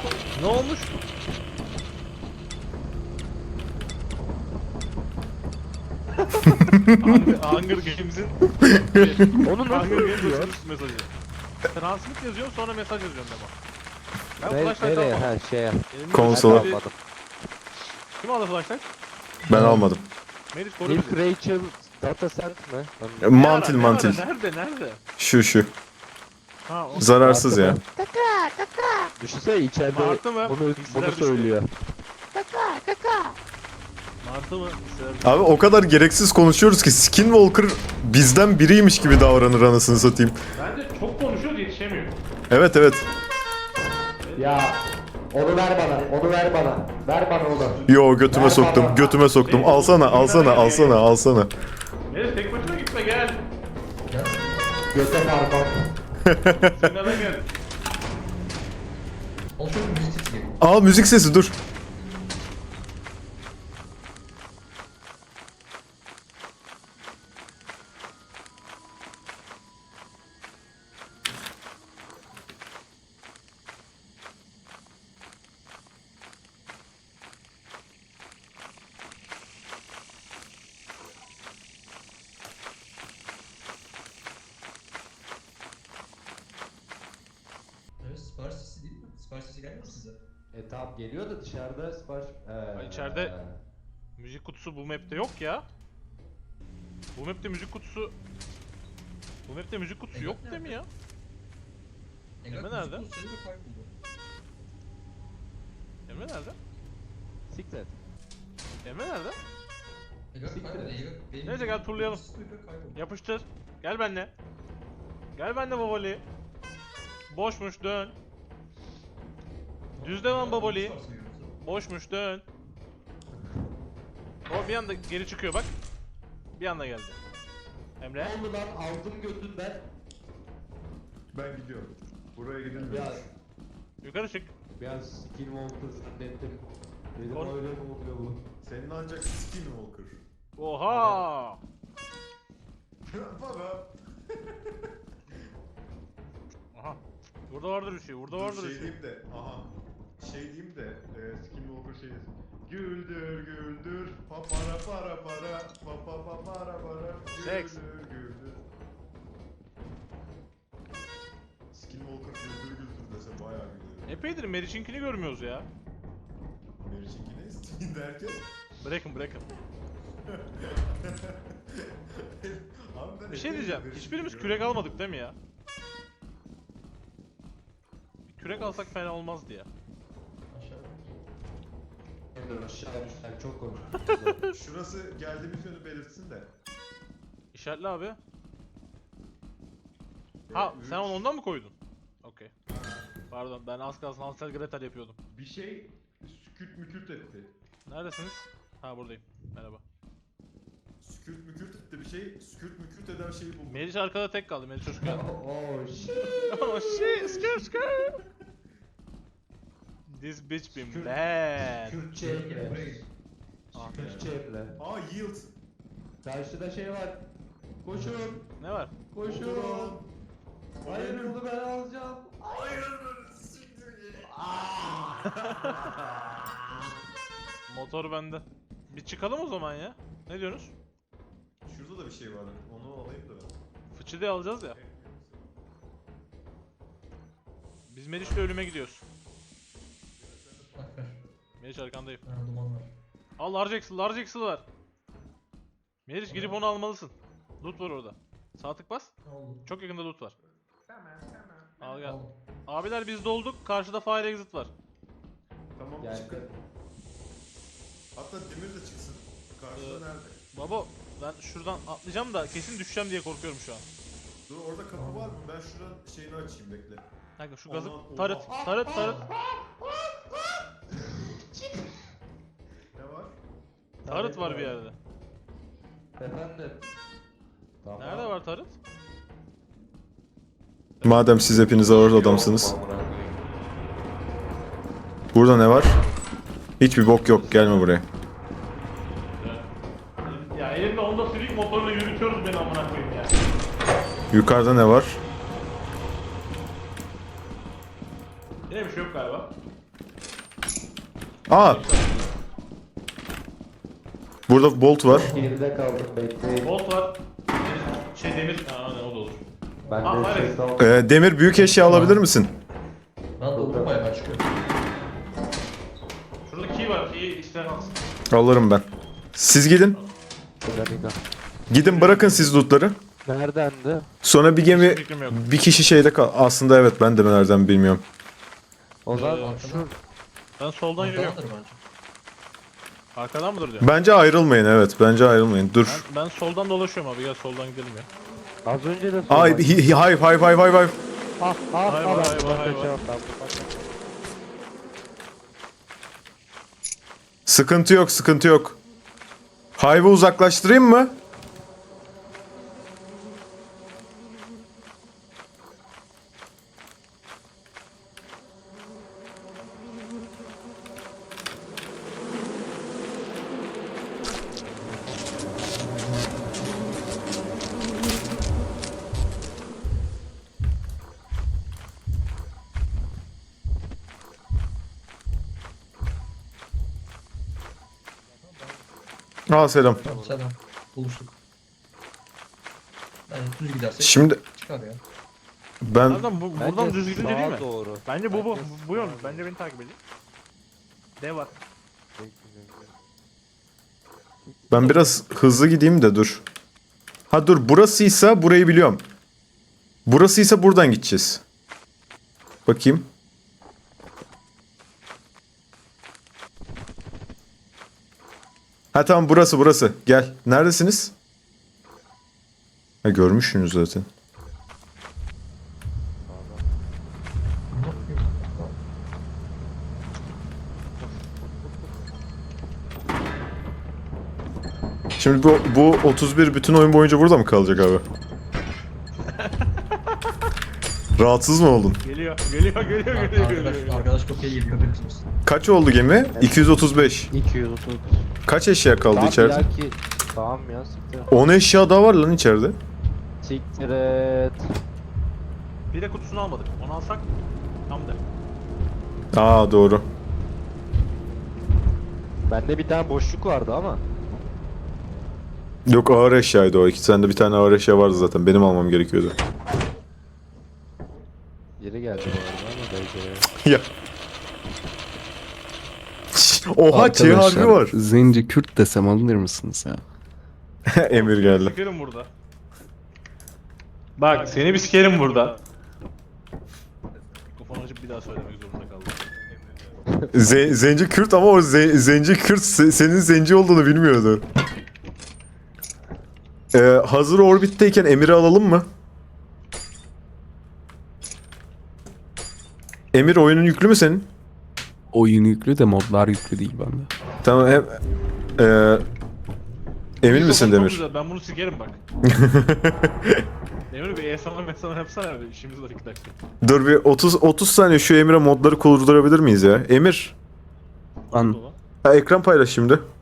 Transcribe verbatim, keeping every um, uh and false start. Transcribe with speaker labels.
Speaker 1: Ne olmuş? Hunger, Hunger Games'in
Speaker 2: Onu nasıl
Speaker 1: Hunger Games
Speaker 2: yapıyor?
Speaker 1: açılış mesajı. Transmit yazıyorum sonra mesaj yazıyorum demo. Ben
Speaker 2: Ne,
Speaker 1: flashlight
Speaker 2: nereye?
Speaker 1: almadım.
Speaker 2: Ha şeye.
Speaker 1: Elimde
Speaker 3: Konsola.
Speaker 1: bir-
Speaker 2: Almadım.
Speaker 1: Kim aldı flashlight?
Speaker 3: Ben almadım.
Speaker 1: Melis koru
Speaker 2: Milk
Speaker 1: bizi.
Speaker 2: Rachel Data Cent mi?
Speaker 3: E,
Speaker 1: Ne
Speaker 3: Mantil
Speaker 1: ara, ne
Speaker 3: mantil.
Speaker 1: ara, Nerede nerede?
Speaker 3: Şu şu.
Speaker 1: Ha o.
Speaker 3: Zararsız ya.
Speaker 2: Düşünsene içeride
Speaker 1: Martı mı?
Speaker 2: bunu,
Speaker 1: Hisler
Speaker 2: bunu
Speaker 1: düştü.
Speaker 2: söylüyor.
Speaker 1: Martı mı? Sever-
Speaker 3: Abi o kadar gereksiz konuşuyoruz ki Skinwalker bizden biriymiş gibi davranır anasını satayım.
Speaker 1: Bence çok konuşuyoruz yetişemiyor.
Speaker 3: Evet evet.
Speaker 4: Ya onu ver bana, onu ver bana. Ver bana onu.
Speaker 3: Yo götüme soktum, götüme soktum. Alsana, alsana, alsana, alsana.
Speaker 1: Melis tek başına gitme gel.
Speaker 4: Göte parmak.
Speaker 1: Zinada gel.
Speaker 5: Olsun müzik sesi geliyor.
Speaker 3: Aa müzik sesi dur.
Speaker 5: Evet, sipariş sesi değil mi? Sipariş sesi gelmiyor mu size?
Speaker 4: E tamam geliyor da dışarıda sipariş... Ee,
Speaker 1: Ay, içeride- Müzik kutusu bu map'te yok ya. Bu map'te müzik kutusu... Bu map'te müzik kutusu yok değil mi ya?
Speaker 5: Engel
Speaker 1: Emre
Speaker 5: müzik
Speaker 1: nerede?
Speaker 5: kutusu ve kayboldu.
Speaker 1: Emre nerede?
Speaker 2: Siklet.
Speaker 1: Emre nerede?
Speaker 5: Engel
Speaker 4: Siktir
Speaker 5: kayboldu.
Speaker 4: et.
Speaker 5: Engel benim...
Speaker 1: Neyse, gel turlayalım.
Speaker 5: Engel kayboldu.
Speaker 1: Yapıştır. Gel benimle. Gel benimle babali. Boşmuş dön. Düz devam babali.
Speaker 5: Nasıl varsayıyoruz?
Speaker 1: Boşmuş dön. O bir anda geri çıkıyor bak. Bir anda geldi. Emre.
Speaker 4: Ne oldu lan aldım götünden.
Speaker 3: Ben gidiyorum. Buraya gidilmiyor.
Speaker 4: Biraz,
Speaker 1: Yukarı çık.
Speaker 4: biraz Skinwalker zannettim. Dedim
Speaker 1: Or-
Speaker 4: öyle mi oluyor bu?
Speaker 3: Senin ancak Skinwalker.
Speaker 1: Oha.
Speaker 3: Baba.
Speaker 1: Aha. Burada vardır bir şey. Burada vardır bir şey.
Speaker 3: diyeyim de, aha. Şey diyeyim de, e, Skinwalker şey desin. Güldür güldür, pa para para para, pa pa pa para para,
Speaker 1: Seks.
Speaker 3: güldür güldür. Skinwalker güldür güldür dese bayağı gülerim.
Speaker 1: Epeydir Meriç'inkini görmüyoruz ya.
Speaker 3: Meriç'inki ne isteyin derken?
Speaker 1: Bırakın bırakın.
Speaker 3: Abi ben
Speaker 1: Bir şey
Speaker 3: epeydir
Speaker 1: diyeceğim.
Speaker 3: Meriç'inki
Speaker 1: Hiçbirimiz
Speaker 3: görmüyorum.
Speaker 1: kürek almadık değil mi ya? Bir kürek alsak fena olmazdı ya.
Speaker 5: Aşağıda.
Speaker 4: Dur aşağı düşsen çok konuştuk.
Speaker 3: Şurası geldiğimiz yönü belirtsin de.
Speaker 1: İşaretli abi. Ha
Speaker 3: Ee,
Speaker 1: sen
Speaker 3: üç-
Speaker 1: onu ondan mı koydun? Okey. Pardon ben az kalsın Hansel Gretel yapıyordum.
Speaker 3: Bir şey sükürt mükürt etti.
Speaker 1: Neredesiniz? Ha buradayım. Merhaba.
Speaker 3: Sükürt mükürt etti bir şey, sükürt mükürt eden şeyi buldum.
Speaker 1: Meriç arkada tek kaldı. Meriç çocuk geldi.
Speaker 4: Oh shit.
Speaker 1: Oh shit, skr skr. This bitch been
Speaker 4: Skr-
Speaker 1: bad.
Speaker 4: Kürtçe
Speaker 5: Gel
Speaker 4: emre.
Speaker 5: buraya gel.
Speaker 1: Ah,
Speaker 4: Kürtçe emre.
Speaker 3: Aa yield.
Speaker 4: Karşıda şey var. Koşun.
Speaker 1: ne var?
Speaker 4: Koşun.
Speaker 3: Oturun.
Speaker 4: Hayır bunu ben alacağım.
Speaker 3: Hayır siktir git.
Speaker 1: Motor bende. Bir çıkalım o zaman ya. Ne diyorsunuz?
Speaker 3: Şurada da bir şey var. Onu alayım da.
Speaker 1: Fıçı diye alacağız ya. Biz Meriç'le ölüme gidiyoruz.
Speaker 5: Bak ver.
Speaker 1: Meriç arkandayım.
Speaker 5: Ha, duman var.
Speaker 1: Al large axle, large axle var. Meriç gidip onu almalısın. Loot var orada. Sağ tık bas.
Speaker 5: Ne oldu?
Speaker 1: Çok yakında loot var. Al gel.
Speaker 5: Aldım.
Speaker 1: Abiler biz dolduk. Karşıda fire exit var.
Speaker 3: Tamam
Speaker 4: Geldi.
Speaker 3: çıkın. Hatta demir de çıksın. Karşıda
Speaker 1: Ee,
Speaker 3: nerede?
Speaker 1: Baba ben şuradan atlayacağım da kesin düşeceğim diye korkuyorum şu an.
Speaker 3: Dur orada kapı var mı? Ben şuranın şeyini açayım bekle.
Speaker 1: Kanka şu gazı
Speaker 3: Aman,
Speaker 1: tarıt,
Speaker 3: oha.
Speaker 1: tarıt, tarıt.
Speaker 3: Ne var?
Speaker 1: Tarıt var bir yerde.
Speaker 4: Efendim. Tamam.
Speaker 1: Nerede var tarıt?
Speaker 3: Madem siz hepiniz ağır adamsınız. Burada ne var? Hiçbir bok yok. Gelme buraya.
Speaker 1: Ya elimde Honda Civic motorla yürütüyoruz beni amına koyayım ya.
Speaker 3: Yukarıda ne var?
Speaker 1: Yine bir şey yok galiba.
Speaker 6: Aa. Burada bolt var.
Speaker 4: Geride kaldım bekleyin.
Speaker 1: Bolt var. Şey demir. Aa ne o da olur.
Speaker 4: Ben
Speaker 1: Ah,
Speaker 4: de
Speaker 1: hayır.
Speaker 4: şey kaldım.
Speaker 6: Ee, Demir büyük eşya alabilir misin?
Speaker 5: Ben doldurdum bayağı ben çıkıyorum.
Speaker 1: Şurada key var. Key isteyen alsın.
Speaker 6: Alırım ben. Siz gidin.
Speaker 2: Bir dakika.
Speaker 6: Gidin bırakın siz lootları.
Speaker 2: Neredendi?
Speaker 6: Sonra bir gemi
Speaker 1: Hiçbir fikrim yok.
Speaker 6: bir kişi şeyde kal. Aslında evet ben de nereden bilmiyorum.
Speaker 2: O zaman
Speaker 1: Ee,
Speaker 2: şu
Speaker 1: Ben soldan yürüyorum.
Speaker 5: Ortadandır bence.
Speaker 1: Arkadan mıdır diyor.
Speaker 6: Bence ayrılmayın evet. Bence ayrılmayın. Dur.
Speaker 1: Ben, ben soldan dolaşıyorum abi. Gel soldan gidelim ya.
Speaker 2: az önce de
Speaker 6: Ay hi- hi- hayır hayır hayır hayır hayır.
Speaker 2: Ah ah
Speaker 1: Hayır,
Speaker 2: ah
Speaker 1: hayır,
Speaker 2: ben
Speaker 1: hayır, hayır.
Speaker 2: kaçamam ben.
Speaker 6: Sıkıntı yok sıkıntı yok. Hive'ı uzaklaştırayım mı? Aa selam.
Speaker 5: Tamam selam. Buluştuk. Yani düz gidersek
Speaker 6: Şimdi
Speaker 5: çıkar ya.
Speaker 6: ben
Speaker 1: Nereden bu, buradan
Speaker 2: Bence
Speaker 1: düz gidince değil
Speaker 2: sağa
Speaker 1: mi?
Speaker 2: doğru.
Speaker 1: Bence bu bu.
Speaker 2: Bence
Speaker 1: Bu yön.
Speaker 2: sağa
Speaker 1: Bence beni takip edin. Dev var.
Speaker 6: ben biraz hızlı gideyim de dur. Ha dur burasıysa burayı biliyorum. Burasıysa buradan gideceğiz. Bakayım. Ha tamam burası burası. Gel. Neredesiniz? Ha görmüşsünüz zaten. Şimdi bu, bu otuz bir bütün oyun boyunca burada mı kalacak abi? Rahatsız mı oldun?
Speaker 1: Geliyor. Geliyor. Geliyor. Geliyor. geliyor,
Speaker 5: Arkadaş,
Speaker 1: geliyor.
Speaker 5: arkadaş çok iyi geliyor haberiniz olsun.
Speaker 6: Kaç oldu gemi? iki yüz otuz beş.
Speaker 2: iki yüz otuz.
Speaker 6: Kaç eşya kaldı
Speaker 2: Tamam,
Speaker 6: içeride?
Speaker 2: belki- Tamam ya siktir.
Speaker 6: on eşya daha var lan içeride.
Speaker 2: Siktir et.
Speaker 1: Bir de kutusunu almadık. Onu alsak tam da.
Speaker 6: Aa doğru.
Speaker 2: Bende bir tane boşluk vardı ama.
Speaker 6: Yok ağır eşyaydı o. İki tane de bir tane ağır eşya vardı zaten. Benim almam gerekiyordu.
Speaker 2: Geri geldi bu arada ama belki.
Speaker 6: Ya. Oha Ç harfi var.
Speaker 7: Zenci Kürt desem alınır mısınız ya?
Speaker 6: Emir geldi.
Speaker 1: Sikerim burada. Bak seni bir sikerim burada. Mikrofonu açıp bir daha söylemek zorunda kaldım.
Speaker 6: Ze- zenci Kürt ama o ze- zenci Kürt se- senin zenci olduğunu bilmiyordu. Ee, hazır orbitteyken Emir'i alalım mı? Emir oyunun yüklü mü senin?
Speaker 7: Oyun yüklü de modlar yüklü değil bende.
Speaker 6: Tamam hem... Ee, emin misin
Speaker 1: Mikrofonu çok
Speaker 6: Demir?
Speaker 1: güzel, ben bunu sikerim bak. Demir bir esama mesama yapsana abi. İşimiz var iki dakika.
Speaker 6: Dur bir otuz otuz saniye şu Emir'e modları kurdurabilir miyiz ya? Emir,
Speaker 7: Lan
Speaker 1: Dola.
Speaker 6: ha, ekran paylaş şimdi.